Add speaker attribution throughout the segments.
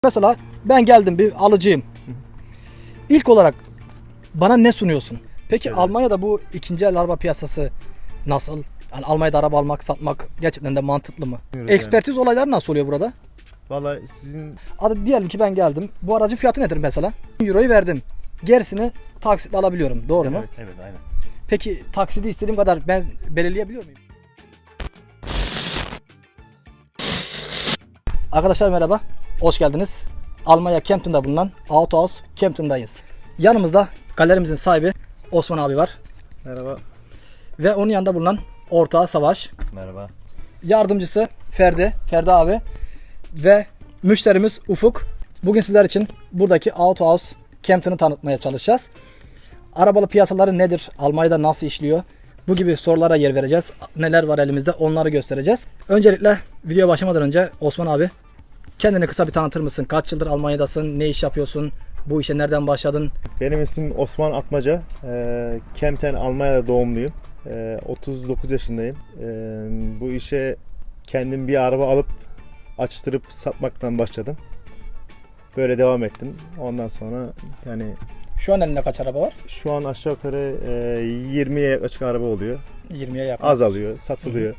Speaker 1: Mesela ben geldim bir alıcıyım. İlk olarak bana ne sunuyorsun? Peki
Speaker 2: Evet.
Speaker 1: Almanya'da bu ikinci el araba piyasası nasıl? Yani Almanya'da araba almak, satmak gerçekten de mantıklı mı?
Speaker 2: Bilmiyoruz
Speaker 1: Ekspertiz olayları nasıl oluyor burada?
Speaker 2: Vallahi sizin
Speaker 1: Hadi diyelim ki ben geldim. Bu aracın fiyatı nedir mesela? Euroyu verdim. Gerisini taksitle alabiliyorum. Doğru mu?
Speaker 2: evet,
Speaker 3: Evet, aynen.
Speaker 1: Peki taksidi istediğim kadar ben belirleyebiliyor muyum? Arkadaşlar merhaba. Hoş geldiniz. Almanya Kempten'da bulunan Autohaus Kempten'dayız. Yanımızda galerimizin sahibi Osman abi var.
Speaker 2: merhaba.
Speaker 1: Ve onun yanında bulunan ortağı Savaş.
Speaker 3: Merhaba.
Speaker 1: Yardımcısı Ferdi abi. Ve müşterimiz Ufuk. Bugün sizler için buradaki Autohaus Kempten'ı tanıtmaya çalışacağız. Arabalı piyasaları nedir? Almanya'da nasıl işliyor? Bu gibi sorulara yer vereceğiz. Neler var elimizde onları göstereceğiz. Öncelikle video başlamadan önce Osman abi kendini kısa bir tanıtır mısın? Kaç yıldır Almanya'dasın? Ne iş yapıyorsun? Bu işe nereden başladın?
Speaker 2: Benim ismim Osman Atmaca. Kempten, Almanya'da doğumluyum. 39 yaşındayım. Bu işe kendim bir araba alıp açtırıp satmaktan başladım. Böyle devam ettim. Ondan sonra yani
Speaker 1: Şu an elinde kaç araba var?
Speaker 2: şu an aşağı yukarı 20'ye yaklaşık araba oluyor.
Speaker 1: 20'ye yakın.
Speaker 2: Azalıyor, satılıyor.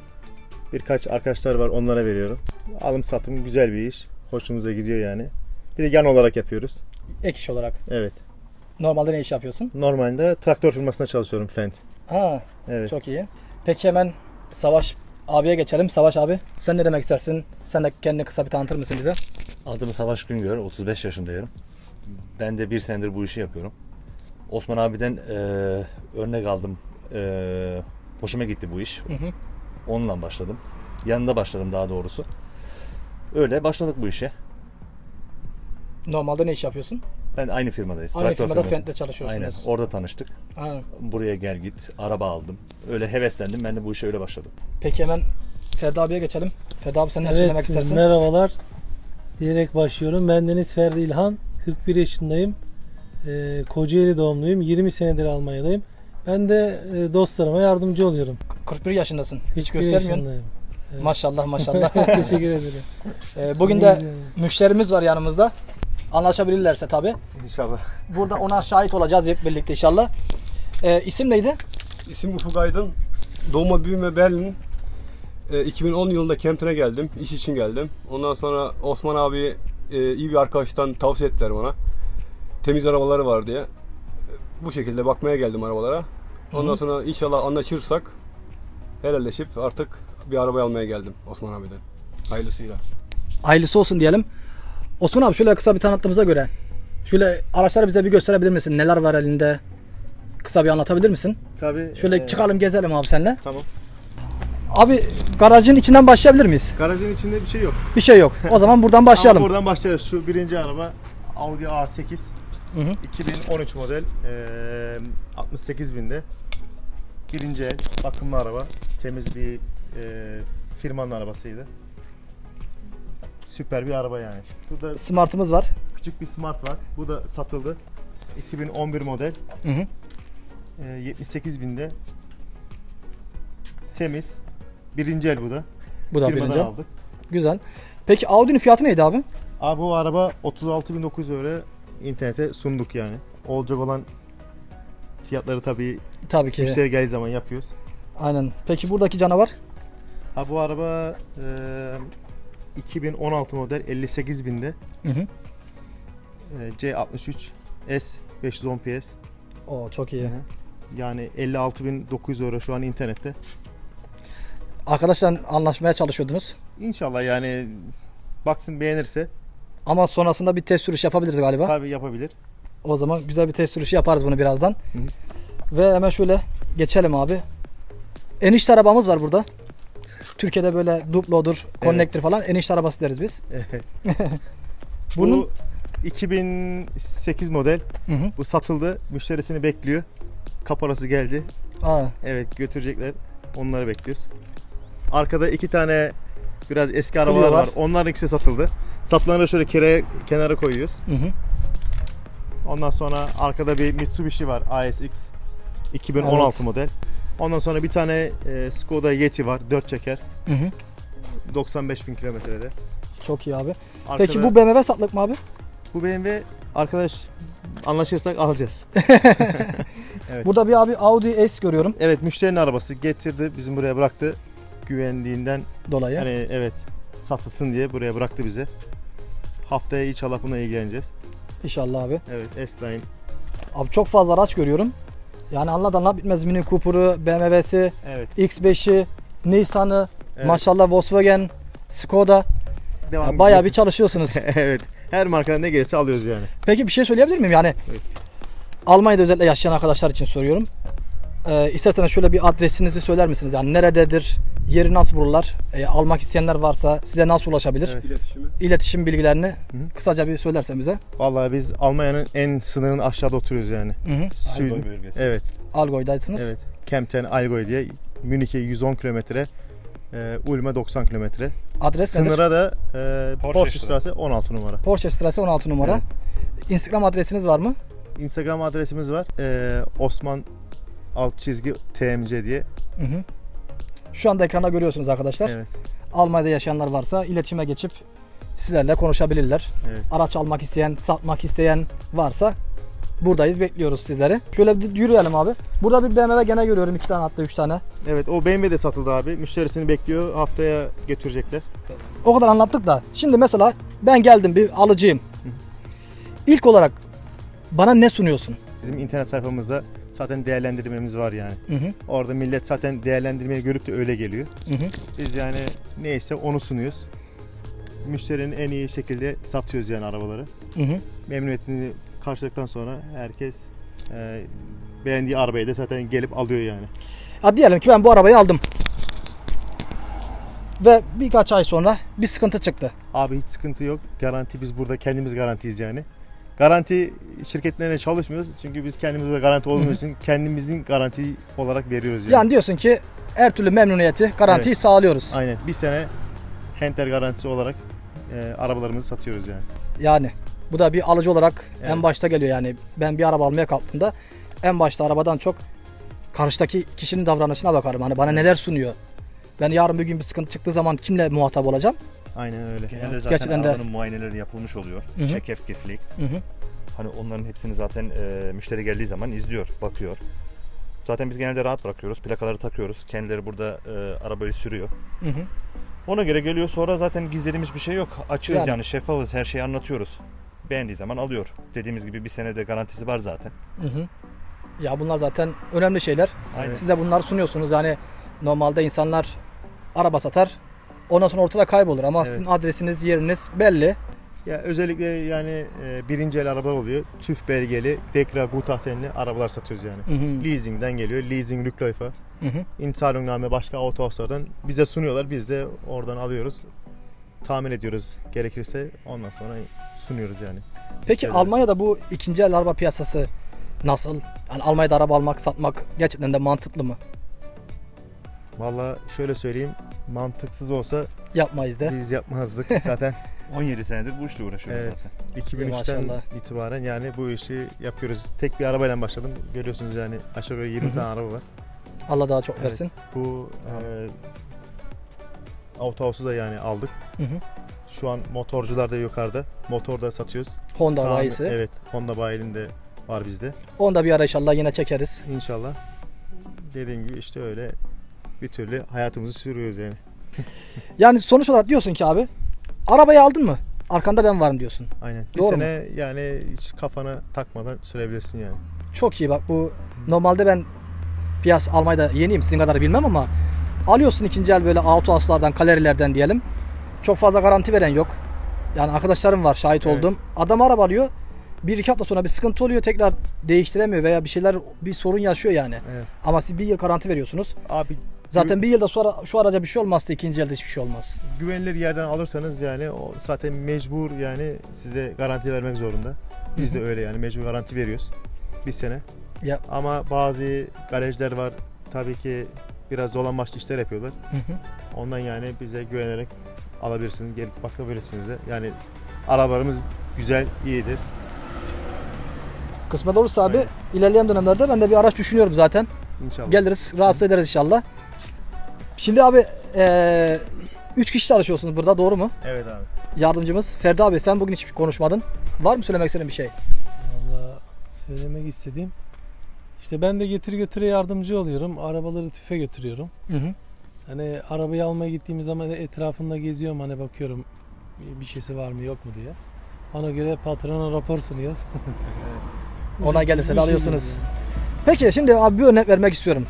Speaker 2: Birkaç arkadaşlar var, onlara veriyorum. Alım satım güzel bir iş. Hoşumuza gidiyor yani. Bir de yan olarak yapıyoruz.
Speaker 1: Ek iş olarak.
Speaker 2: Evet.
Speaker 1: Normalde ne iş yapıyorsun?
Speaker 2: Normalde traktör firmasında çalışıyorum, Fendt.
Speaker 1: Ha,
Speaker 2: Evet.
Speaker 1: çok iyi. Peki hemen Savaş abiye geçelim. Savaş abi sen ne demek istersin? Sen de kendini kısa bir tanıtır mısın bize?
Speaker 3: Adım Savaş Güngör, 35 yaşındayım. Ben de bir senedir bu işi yapıyorum. Osman abiden örnek aldım. Hoşuma gitti bu iş.
Speaker 1: Hı hı.
Speaker 3: Onunla başladım. Yanında başladım daha doğrusu. Öyle başladık bu işe.
Speaker 1: Normalde ne iş yapıyorsun?
Speaker 3: Ben aynı firmadayız.
Speaker 1: Aynı
Speaker 3: traktör
Speaker 1: firmada
Speaker 3: firması.
Speaker 1: Fendt'te çalışıyorsunuz.
Speaker 3: Aynen. Orada tanıştık.
Speaker 1: Ha.
Speaker 3: Buraya gel git. Araba aldım. Öyle heveslendim. Ben de bu işe öyle başladım.
Speaker 1: Peki hemen Ferdi abiye geçelim. Ferdi abi sen ne söylemek istersin?
Speaker 4: Merhabalar diyerek başlıyorum. Ben Deniz Ferdi İlhan, 41 yaşındayım. Kocaeli doğumluyum. 20 senedir Almanya'dayım. Ben de dostlarıma yardımcı oluyorum.
Speaker 1: 41 yaşındasın. Hiç
Speaker 4: 41
Speaker 1: göstermiyorsun.
Speaker 4: yaşındayım. Evet.
Speaker 1: Maşallah maşallah.
Speaker 4: Teşekkür ederim.
Speaker 1: Bugün de müşterimiz var yanımızda. Anlaşabilirlerse tabii.
Speaker 2: İnşallah.
Speaker 1: Burada ona şahit olacağız hep birlikte inşallah. İsim neydi?
Speaker 5: İsim Ufuk Aydın. Doğma büyüme Berlin. 2010 yılında Kempten'e geldim. İş için geldim. Ondan sonra Osman abi iyi bir arkadaştan tavsiye ettiler bana. Temiz arabaları var diye. Bu şekilde bakmaya geldim arabalara. Ondan sonra inşallah anlaşırsak helalleşip artık bir araba almaya geldim Osman abiden. Hayırlısıyla.
Speaker 1: Hayırlısı olsun diyelim. Osman abi şöyle kısa bir tanıttığımıza göre şöyle araçları bize bir gösterebilir misin? Neler var elinde? Kısa bir anlatabilir misin?
Speaker 2: Tabii.
Speaker 1: Şöyle çıkalım gezelim abi seninle.
Speaker 2: Tamam.
Speaker 1: Abi garajın içinden başlayabilir miyiz?
Speaker 2: Garajın içinde bir şey yok.
Speaker 1: Bir şey yok. O zaman buradan başlayalım.
Speaker 2: Ama buradan başlarız. Şu birinci araba Audi A8.
Speaker 1: Hı hı.
Speaker 2: 2013 model. 68 binde. Birinci el. Bakımlı araba. Temiz bir firmanın arabasıydı. Süper bir araba yani. Burada
Speaker 1: Smart'ımız var.
Speaker 2: küçük bir Smart var. Bu da satıldı. 2011 model.
Speaker 1: Hı hı.
Speaker 2: 78 binde. Temiz. Birinci el bu da.
Speaker 1: Bu da
Speaker 2: Firmadan
Speaker 1: birinci.
Speaker 2: aldık.
Speaker 1: Güzel. Peki Audi'nin fiyatı neydi abi?
Speaker 2: Abi bu araba 36.900 euro internete sunduk yani. Olacak olan fiyatları tabii
Speaker 1: Tabii ki.
Speaker 2: müşteri geldiği zaman yapıyoruz.
Speaker 1: Aynen. Peki buradaki canavar?
Speaker 2: Abi bu araba 2016 model 58 binde.
Speaker 1: Hı hı.
Speaker 2: C63 S 510 PS.
Speaker 1: Oo çok iyi.
Speaker 2: Yani 56.900 euro şu an internette.
Speaker 1: Arkadaşlar anlaşmaya çalışıyordunuz.
Speaker 2: İnşallah yani baksın beğenirse
Speaker 1: Ama sonrasında bir test sürüş yapabiliriz galiba.
Speaker 2: tabii yapabilir.
Speaker 1: O zaman güzel bir test sürüşü yaparız bunu birazdan.
Speaker 2: Hı.
Speaker 1: Ve hemen şöyle geçelim abi. Enişte arabamız var burada. Türkiye'de böyle Duplo'dur, Connector falan enişte arabası deriz biz. Bunun
Speaker 2: Bu 2008 model.
Speaker 1: Hı hı.
Speaker 2: Bu satıldı. Müşterisini bekliyor. Kaparası geldi.
Speaker 1: Aa,
Speaker 2: Evet götürecekler. Onları bekliyoruz. Arkada iki tane biraz eski
Speaker 1: Clio
Speaker 2: arabalar
Speaker 1: var.
Speaker 2: var. Onların ikisi satıldı. Satılanları şöyle kenara koyuyoruz.
Speaker 1: hı hı.
Speaker 2: Ondan sonra arkada bir Mitsubishi var. ASX 2016
Speaker 1: Evet.
Speaker 2: model. Ondan sonra bir tane Skoda Yeti var. 4 çeker.
Speaker 1: Hı hı.
Speaker 2: 95.000 kilometrede.
Speaker 1: Çok iyi abi.
Speaker 2: Arkada,
Speaker 1: Peki bu BMW satlık mı abi?
Speaker 2: bu BMW arkadaş anlaşırsak alacağız. Evet.
Speaker 1: Burada bir abi Audi S görüyorum
Speaker 2: Evet, müşterinin arabası getirdi, bizim buraya bıraktı. Güvenliğinden
Speaker 1: dolayı.
Speaker 2: hani evet satılsın diye buraya bıraktı bize. Haftaya inşallah buna ilgileneceğiz.
Speaker 1: İnşallah abi.
Speaker 2: Evet, S-Line.
Speaker 1: Abi çok fazla araç görüyorum. Yani anlat bitmez. Mini Cooper'ı, BMW'si,
Speaker 2: Evet.
Speaker 1: X5'i, Nissan'ı,
Speaker 2: Evet.
Speaker 1: maşallah Volkswagen, Skoda.
Speaker 2: Devam
Speaker 1: Ya bayağı
Speaker 2: ediyor.
Speaker 1: bir çalışıyorsunuz.
Speaker 2: Evet. Her marka ne gelirse alıyoruz yani.
Speaker 1: Peki bir şey söyleyebilir miyim? Yani
Speaker 2: Evet.
Speaker 1: Almanya'da özellikle yaşayan arkadaşlar için soruyorum. İsterseniz şöyle bir adresinizi söyler misiniz? Yani nerededir? Yeri nasıl bulurlar? Almak isteyenler varsa size nasıl ulaşabilir?
Speaker 2: Evet.
Speaker 5: İletişimi.
Speaker 1: İletişim bilgilerini kısaca bir söylersen bize.
Speaker 2: Vallahi biz Almanya'nın en sınırının aşağıda oturuyoruz yani.
Speaker 1: Hı hı.
Speaker 2: Süd.
Speaker 3: Allgäu bölgesi.
Speaker 2: Evet.
Speaker 1: Algoy'daysınız.
Speaker 2: Evet. Kempten Allgäu diye Münih'e 110 kilometre, Ulm'e 90 kilometre.
Speaker 1: Adres nedir?
Speaker 2: Sınıra da
Speaker 3: Porsche
Speaker 2: Porsche Straße 16 numara.
Speaker 1: Porsche Straße 16 numara.
Speaker 2: Evet.
Speaker 1: Instagram adresiniz var mı?
Speaker 2: Instagram adresimiz var. Osman _TMC diye.
Speaker 1: Hı hı. Şu anda ekranda görüyorsunuz arkadaşlar.
Speaker 2: Evet.
Speaker 1: Almanya'da yaşayanlar varsa iletişime geçip sizlerle konuşabilirler.
Speaker 2: Evet.
Speaker 1: Araç almak isteyen, satmak isteyen varsa buradayız, bekliyoruz sizleri. Şöyle bir yürüyelim abi. Burada bir BMW gene görüyorum, 2 tane hatta 3 tane.
Speaker 2: Evet, o BMW de satıldı abi. Müşterisini bekliyor. Haftaya götürecekler.
Speaker 1: O kadar anlattık da şimdi mesela ben geldim, bir alıcıyım. İlk olarak bana ne sunuyorsun?
Speaker 2: Bizim internet sayfamızda zaten değerlendirmemiz var yani.
Speaker 1: Hı hı.
Speaker 2: Orada millet zaten değerlendirmeyi görüp de öyle geliyor.
Speaker 1: Hı hı.
Speaker 2: Biz yani neyse onu sunuyoruz. Müşterinin en iyi şekilde satıyoruz yani arabaları.
Speaker 1: Hı hı.
Speaker 2: Memnuniyetini karşıladıktan sonra herkes beğendiği arabayı da zaten gelip alıyor yani.
Speaker 1: Ha, diyelim ki ben bu arabayı aldım. Ve birkaç ay sonra bir sıkıntı çıktı.
Speaker 2: Abi hiç sıkıntı yok. Garanti, biz burada kendimiz garantiyiz yani. Garanti şirketlerine çalışmıyoruz. Çünkü biz kendimiz burada garanti olduğumuz için kendimizin garanti olarak veriyoruz yani.
Speaker 1: Yani diyorsun ki her türlü memnuniyeti, garantiyi
Speaker 2: Evet.
Speaker 1: sağlıyoruz.
Speaker 2: Aynen. Bir sene Henter garantisi olarak arabalarımızı satıyoruz yani.
Speaker 1: Yani bu da bir alıcı olarak en
Speaker 2: Evet.
Speaker 1: başta geliyor yani. Ben bir araba almaya kalktığımda en başta arabadan çok karşıdaki kişinin davranışına bakarım. Hani bana neler sunuyor. Ben yarın bir gün bir sıkıntı çıktığı zaman kimle muhatap olacağım?
Speaker 2: Aynen öyle.
Speaker 3: Genelde zaten
Speaker 1: Gerçekten de-
Speaker 3: arabanın muayeneleri yapılmış oluyor.
Speaker 1: Hı hı.
Speaker 3: Çekefkiflik.
Speaker 1: Hı hı.
Speaker 3: Hani onların hepsini zaten müşteri geldiği zaman izliyor, bakıyor. Zaten biz genelde rahat bırakıyoruz. Plakaları takıyoruz. Kendileri burada arabayı sürüyor.
Speaker 1: Hı hı.
Speaker 3: Ona göre geliyor, sonra zaten gizlediğimiz bir şey yok. Açığız
Speaker 1: Yani.
Speaker 3: yani şeffafız, her şeyi anlatıyoruz. Beğendiği zaman alıyor. Dediğimiz gibi bir senede garantisi var zaten.
Speaker 1: Hı hı. Ya bunlar zaten önemli şeyler.
Speaker 3: Aynen.
Speaker 1: Siz de bunları sunuyorsunuz. Yani normalde insanlar araba satar. Ondan sonra ortada kaybolur ama
Speaker 2: Evet.
Speaker 1: sizin adresiniz, yeriniz belli.
Speaker 2: Ya özellikle yani birinci el araba oluyor. TÜV belgeli, Dekra, Gutachten'li arabalar satıyoruz yani.
Speaker 1: Hı hı.
Speaker 2: Leasing'den geliyor. Leasing Rückläufer.
Speaker 1: Hı hı.
Speaker 2: İnzahlungname başka autohauslardan bize sunuyorlar. Biz de oradan alıyoruz. Tahmin ediyoruz gerekirse, ondan sonra sunuyoruz yani.
Speaker 1: Peki
Speaker 2: Şeyler.
Speaker 1: Almanya'da bu ikinci el araba piyasası nasıl? Yani Almanya'da araba almak, satmak gerçekten de mantıklı mı?
Speaker 2: Valla şöyle söyleyeyim, mantıksız olsa
Speaker 1: Yapmayız da.
Speaker 2: biz yapmazdık zaten.
Speaker 3: 17 senedir bu işle uğraşıyoruz
Speaker 2: Evet.
Speaker 3: zaten.
Speaker 2: 2003'ten
Speaker 1: Maşallah.
Speaker 2: itibaren yani bu işi yapıyoruz. Tek bir arabayla başladım. Görüyorsunuz yani aşağı yukarı 20
Speaker 1: Hı hı.
Speaker 2: tane araba var.
Speaker 1: Allah daha çok
Speaker 2: Evet.
Speaker 1: versin.
Speaker 2: Bu Autohaus'u da yani aldık.
Speaker 1: Hı hı.
Speaker 2: Şu an motorcular da yukarıda. Motor da satıyoruz.
Speaker 1: Honda
Speaker 2: Tamam,
Speaker 1: bayisi.
Speaker 2: Evet, Honda bayilinde de var bizde.
Speaker 1: Onu da bir ara inşallah yine çekeriz.
Speaker 2: İnşallah. Dediğim gibi işte öyle bir türlü hayatımızı sürüyoruz yani.
Speaker 1: Yani sonuç olarak diyorsun ki abi, arabayı aldın mı? Arkanda ben varım diyorsun.
Speaker 2: Aynen. Bir
Speaker 1: Doğru
Speaker 2: sene yani hiç kafana takmadan sürebilirsin yani.
Speaker 1: Çok iyi bak, bu normalde ben piyasa Almanya'da yeniyim, sizin kadar bilmem ama alıyorsun ikinci el böyle Autohaus'lardan, galerilerden diyelim. Çok fazla garanti veren yok. Yani arkadaşlarım var, şahit
Speaker 2: Evet.
Speaker 1: oldum. Adam araba alıyor. 1-2 hafta sonra bir sıkıntı oluyor, tekrar değiştiremiyor veya bir sorun yaşıyor yani.
Speaker 2: Evet.
Speaker 1: Ama siz bir yıl garanti veriyorsunuz.
Speaker 2: Abi
Speaker 1: Zaten bir yılda sonra şu araca bir şey olmazsa ikinci elde hiçbir şey olmaz.
Speaker 2: güvenilir yerden alırsanız yani o zaten mecbur yani size garanti vermek zorunda. Biz de öyle yani mecbur garanti veriyoruz. Bir sene.
Speaker 1: Ya.
Speaker 2: Ama bazı garajlar var tabii ki biraz dolambaçlı işler yapıyorlar.
Speaker 1: Hı hı.
Speaker 2: Ondan yani bize güvenerek alabilirsiniz, gelip bakabilirsiniz de. Yani arabalarımız güzel, iyidir.
Speaker 1: Kısmet olursa abi
Speaker 2: Aynen.
Speaker 1: ilerleyen dönemlerde ben de bir araç düşünüyorum zaten.
Speaker 2: İnşallah.
Speaker 1: Geliriz, rahatsız ederiz inşallah. Şimdi abi 3 kişi çalışıyorsunuz burada, doğru mu?
Speaker 2: Evet abi.
Speaker 1: Yardımcımız Ferdi abi, sen bugün hiç konuşmadın. Var mı söylemek istediğin bir şey?
Speaker 4: Valla söylemek istediğim. İşte ben de getir götüre yardımcı oluyorum. Arabaları tüfe götürüyorum.
Speaker 1: Hı hı.
Speaker 4: Hani arabayı almaya gittiğimiz zaman etrafında geziyorum, hani bakıyorum bir şeysi var mı yok mu diye. Ona göre patrona rapor sunuyoruz.
Speaker 1: Ona gelirse
Speaker 4: Bir
Speaker 1: de
Speaker 4: şey
Speaker 1: alıyorsunuz.
Speaker 4: geliyor.
Speaker 1: Peki şimdi abi bir örnek vermek istiyorum.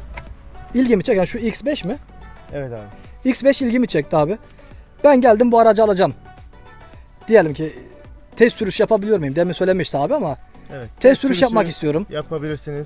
Speaker 1: İlgimi çeken şu X5 mi?
Speaker 2: Evet abi.
Speaker 1: X5 ilgimi çekti abi. Ben geldim bu aracı alacağım. Diyelim ki test sürüş yapabiliyor muyum? Demin söylemişti abi ama
Speaker 2: Evet.
Speaker 1: test sürüş
Speaker 2: Sürüşü
Speaker 1: yapmak istiyorum.
Speaker 2: Yapabilirsiniz.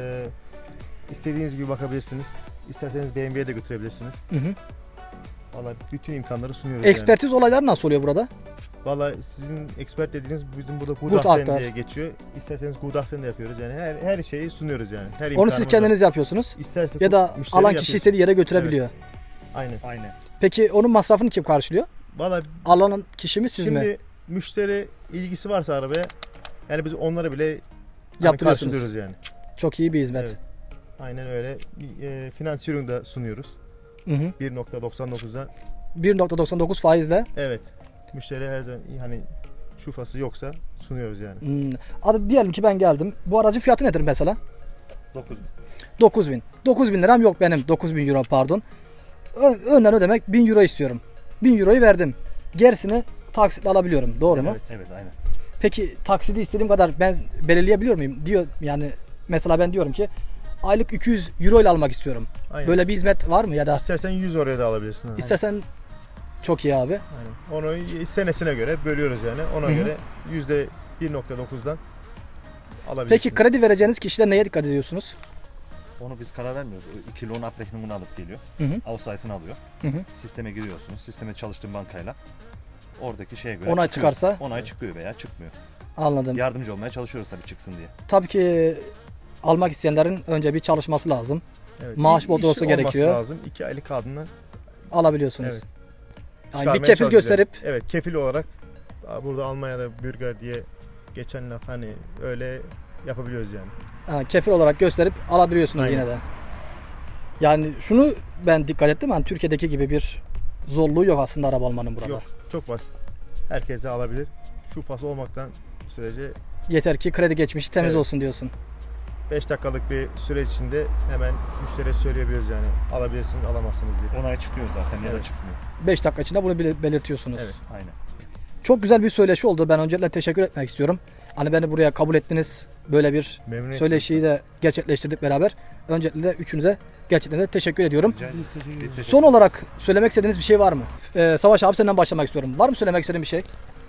Speaker 2: İstediğiniz gibi bakabilirsiniz. İsterseniz BMW'ye de götürebilirsiniz.
Speaker 1: Hı hı.
Speaker 2: Valla bütün imkanları sunuyoruz
Speaker 1: Ekspertiz olayları nasıl oluyor burada?
Speaker 2: yani. Valla sizin expert dediğiniz bizim burada
Speaker 1: Gutachten
Speaker 2: Gutachten diye geçiyor. İsterseniz Gutachten de yapıyoruz yani. Her şeyi sunuyoruz yani. Her
Speaker 1: Onu siz
Speaker 2: imkanımız var.
Speaker 1: kendiniz yapıyorsunuz.
Speaker 2: İsterse
Speaker 1: Ya da
Speaker 2: müşteri
Speaker 1: alan
Speaker 2: yapıyor.
Speaker 1: kişi istediği yere götürebiliyor.
Speaker 2: Aynen.
Speaker 3: Aynen.
Speaker 1: Peki onun masrafını kim karşılıyor?
Speaker 2: Valla
Speaker 1: Alan kişi mi siz
Speaker 2: şimdi
Speaker 1: mi?
Speaker 2: müşteri ilgisi varsa arabaya, yani biz onlara bile hani
Speaker 1: Yaptırıyorsunuz.
Speaker 2: karşılıyoruz yani.
Speaker 1: Çok iyi bir hizmet.
Speaker 2: Evet. Aynen öyle. Finansiyonu da sunuyoruz.
Speaker 1: Hı hı.
Speaker 2: 1.99'dan.
Speaker 1: 1.99 faizle.
Speaker 2: Evet. Müşteri her zaman hani şufası yoksa sunuyoruz yani.
Speaker 1: Adı diyelim ki ben geldim. Bu aracın fiyatı nedir mesela?
Speaker 3: 9.
Speaker 1: 9.000. 9.000 liram yok benim. 9.000 euro pardon. Önden ödemek 1000 euro istiyorum. 1000 euroyu verdim. Gerisini taksitle alabiliyorum. Doğru mu?
Speaker 2: Evet.
Speaker 3: Evet aynen.
Speaker 1: Peki taksidi istediğim kadar ben belirleyebiliyor muyum? Diyor yani mesela ben diyorum ki aylık 200 euro ile almak istiyorum.
Speaker 2: Aynen.
Speaker 1: Böyle bir hizmet var mı ya da
Speaker 2: İstersen 100 oraya da alabilirsin.
Speaker 1: istersen çok iyi abi.
Speaker 2: Aynen. Onu senesine göre bölüyoruz yani. Ona
Speaker 1: Hı hı.
Speaker 2: göre %1.9'dan alabilirsin.
Speaker 1: Peki kredi vereceğiniz kişiler neye dikkat ediyorsunuz?
Speaker 3: Onu biz karar vermiyoruz. O 2 loan abrechnung'unu alıp geliyor.
Speaker 1: Hı hı.
Speaker 3: Ausweis'ını alıyor.
Speaker 1: Hı hı.
Speaker 3: Sisteme giriyorsunuz. Sisteme çalıştığın bankayla. Oradaki şeye göre
Speaker 1: Onay
Speaker 3: çıkıyor.
Speaker 1: çıkarsa?
Speaker 3: Onay çıkıyor veya çıkmıyor.
Speaker 1: Anladım.
Speaker 3: Yardımcı olmaya çalışıyoruz tabii çıksın diye.
Speaker 1: Tabii ki almak isteyenlerin önce bir çalışması lazım.
Speaker 2: Evet.
Speaker 1: maaş
Speaker 2: İş
Speaker 1: bordrosu
Speaker 2: olması
Speaker 1: gerekiyor.
Speaker 2: lazım. 2 aylık kaldığında
Speaker 1: Alabiliyorsunuz.
Speaker 2: Evet.
Speaker 1: Yani bir
Speaker 2: çıkarmaya
Speaker 1: kefil
Speaker 2: çalışacağız.
Speaker 1: gösterip
Speaker 2: Evet, kefil olarak burada Almanya'da bürger diye geçen laf, hani öyle yapabiliyoruz yani.
Speaker 1: kefil olarak gösterip alabiliyorsunuz
Speaker 2: Aynen.
Speaker 1: yine de. Yani şunu ben dikkat ettim. Hani Türkiye'deki gibi bir zorluğu yok aslında araba almanın burada.
Speaker 2: Yok, çok basit. Herkes de alabilir. Şufası olmaktan sürece
Speaker 1: Yeter ki kredi geçmişi temiz
Speaker 2: Evet.
Speaker 1: olsun diyorsun.
Speaker 2: 5 dakikalık bir süreç içinde hemen müşteriye söyleyebiliyoruz yani. Alabilirsiniz, alamazsınız diye.
Speaker 3: Onay çıkıyor zaten ya da
Speaker 2: Evet.
Speaker 3: çıkmıyor.
Speaker 1: 5 dakika içinde bunu belirtiyorsunuz.
Speaker 2: Evet.
Speaker 3: Aynen.
Speaker 1: Çok güzel bir söyleşi oldu. Ben öncelikle teşekkür etmek istiyorum. Hani beni buraya kabul ettiniz. Böyle bir
Speaker 2: Memnun
Speaker 1: söyleşiyi de gerçekleştirdik beraber. Öncelikle de üçünüze gerçekten de teşekkür ediyorum.
Speaker 3: Rica ederiz.
Speaker 4: Biz teşekkür
Speaker 3: Biz
Speaker 4: ederiz.
Speaker 3: teşekkür
Speaker 1: Son olarak söylemek istediğiniz bir şey var mı? Savaş abi senden başlamak istiyorum. Var mı söylemek istediğin bir şey?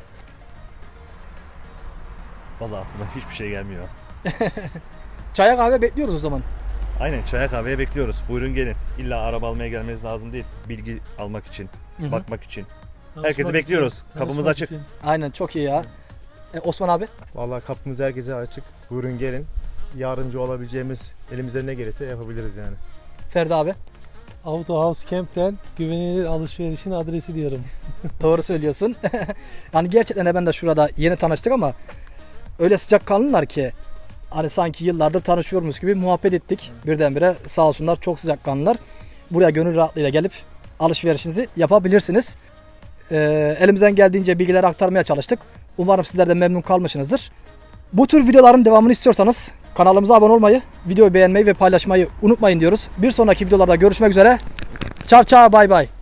Speaker 3: Vallahi aklıma hiçbir şey gelmiyor.
Speaker 1: Çaya kahve bekliyoruz o zaman.
Speaker 3: Aynen, çaya kahveye bekliyoruz. Buyurun gelin. İlla araba almaya gelmeniz lazım değil. Bilgi almak için,
Speaker 1: Hı hı.
Speaker 3: bakmak için.
Speaker 4: Tanışmak
Speaker 3: Herkesi
Speaker 4: için,
Speaker 3: bekliyoruz. Kapımız
Speaker 4: tanışmak
Speaker 3: açık.
Speaker 4: için.
Speaker 1: Aynen, çok iyi ya. Osman abi?
Speaker 2: Vallahi kapımız herkese açık. Buyurun gelin. Yardımcı olabileceğimiz, elimizden ne gelirse yapabiliriz yani.
Speaker 1: Ferdi abi?
Speaker 4: Auto House Camp'ten güvenilir alışverişin adresi diyorum.
Speaker 1: Doğru söylüyorsun. Yani gerçekten de ben de şurada yeni tanıştık ama öyle sıcakkanlılar ki hani sanki yıllardır tanışıyormuş gibi muhabbet ettik. Birdenbire sağ olsunlar, çok sıcakkanlılar. Buraya gönül rahatlığıyla gelip alışverişinizi yapabilirsiniz. Elimizden geldiğince bilgileri aktarmaya çalıştık. Umarım sizler de memnun kalmışsınızdır. Bu tür videoların devamını istiyorsanız kanalımıza abone olmayı, videoyu beğenmeyi ve paylaşmayı unutmayın diyoruz. Bir sonraki videolarda görüşmek üzere. Ciao ciao, bay bay.